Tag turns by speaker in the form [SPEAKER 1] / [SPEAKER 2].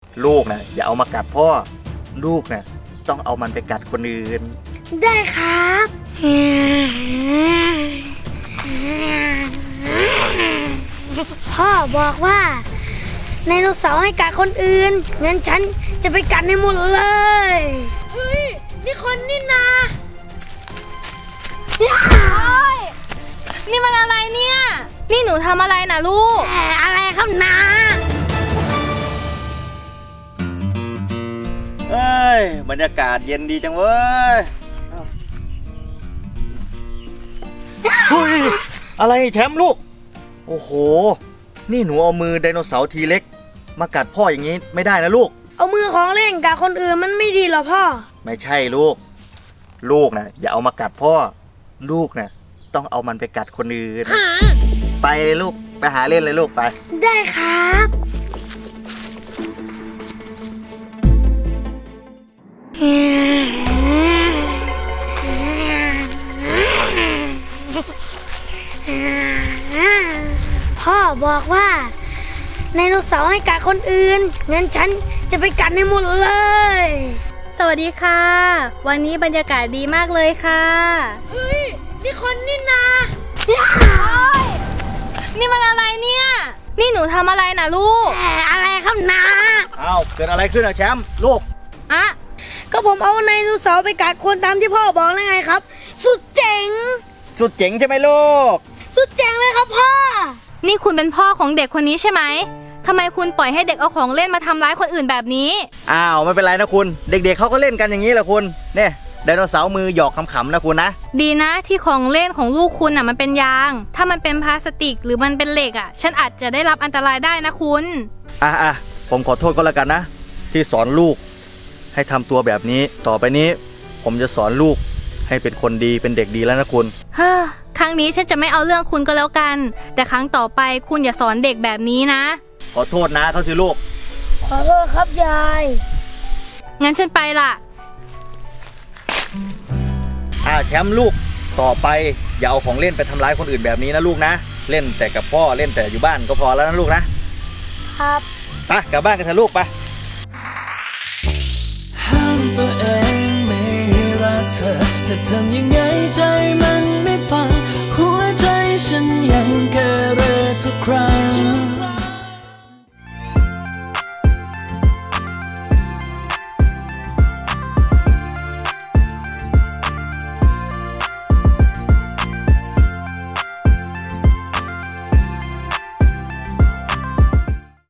[SPEAKER 1] ลูกนะอย่าเอามากัดพ่อลูกนะต้องเอามันไปกัดคนอื่น
[SPEAKER 2] ได้ครับพ่อบอกว่าไดโนเสาร์ให้กัดคนอื่นงั้นฉันจะไปกัดให้หมดเลยเฮ้ยนี่คนนี่นา
[SPEAKER 3] นี่มันอะไรเนี่ยนี่หนูทำอะไรนะลูก
[SPEAKER 2] อะไรครับนา
[SPEAKER 1] เอ้ยบรรยากาศเย็นดีจังเว้ยเฮ้ยอะไรแชมป์ลูกโอ้โหนี่หนูเอามือไดโนเสาร์ทีเล็กมากัดพ่ออย่างนี้ไม่ได้นะลูก
[SPEAKER 2] เอามือของเล่นกัดคนอื่นมันไม่ดีหรอพ่อ
[SPEAKER 1] ไม่ใช่ลูกนะอย่าเอามากัดพ่อลูกนะต้องเอามันไปกัดคนอื่นไปเลยลูกไปหาเล่นเลยลูกไป
[SPEAKER 2] ได้ครับพ่อบอกว่าไดโนเสาร์ให้กัดคนอื่นงั้นฉันจะไปกัดให้หมดเลย
[SPEAKER 3] สวัสดีค่ะวันนี้บรรยากาศดีมากเลยค่ะ
[SPEAKER 2] เฮ้ยนี่คนนี่นา
[SPEAKER 3] นี่มันอะไรเนี่ยนี่หนูทำอะไรนะลูก
[SPEAKER 2] อะไรครับนา
[SPEAKER 1] อ้าวเกิดอะไรขึ้นอะแชมป์ลูก
[SPEAKER 3] อะ
[SPEAKER 2] ก็ผมเอาไดโนเสาร์ไปกัดคนตามที่พ่อบอกแล้วไงครับสุดเจ๋ง
[SPEAKER 1] ใช่ไหมลูก
[SPEAKER 2] สุดเจ๋งเลยครับพ่อ
[SPEAKER 3] นี่คุณเป็นพ่อของเด็กคนนี้ใช่ไหมทำไมคุณปล่อยให้เด็กเอาของเล่นมาทำร้ายคนอื่นแบบนี้
[SPEAKER 1] อ้าวไม่เป็นไรนะคุณเด็กๆเขาก็เล่นกันอย่างนี้แหละคุณเนี่ยไดโนเสาร์มือหยอกขำๆนะคุณนะ
[SPEAKER 3] ดีนะที่ของเล่นของลูกคุณมันเป็นยางถ้ามันเป็นพลาสติกหรือมันเป็นเหล็กฉันอาจจะได้รับอันตรายได้นะคุณ
[SPEAKER 1] ผมขอโทษก็แล้วกันนะที่สอนลูกให้ทำตัวแบบนี้ต่อไปนี้ผมจะสอนลูกให้เป็นคนดีเป็นเด็กดีแล้วนะคุณ
[SPEAKER 3] ครั้งนี้ฉันจะไม่เอาเรื่องคุณก็แล้วกันแต่ครั้งต่อไปคุณอย่าสอนเด็กแบบนี้นะ
[SPEAKER 1] ขอโทษนะเขาสิลูก
[SPEAKER 2] ขอโทษครับยาย
[SPEAKER 3] งั้นฉันไปละ
[SPEAKER 1] แชมป์ลูกต่อไปอย่าเอาของเล่นไปทำร้ายคนอื่นแบบนี้นะลูกนะเล่นแต่กับพ่อเล่นแต่อยู่บ้านก็พอแล้วนะลูกนะครับไปกลับบ้านกันเถอะลูกไป
[SPEAKER 4] ห้ามตัวเองไม่รักเธอจะทำยังไงใจมันไม่ฟังหัวใจฉันยังเกเรทุกครั้ง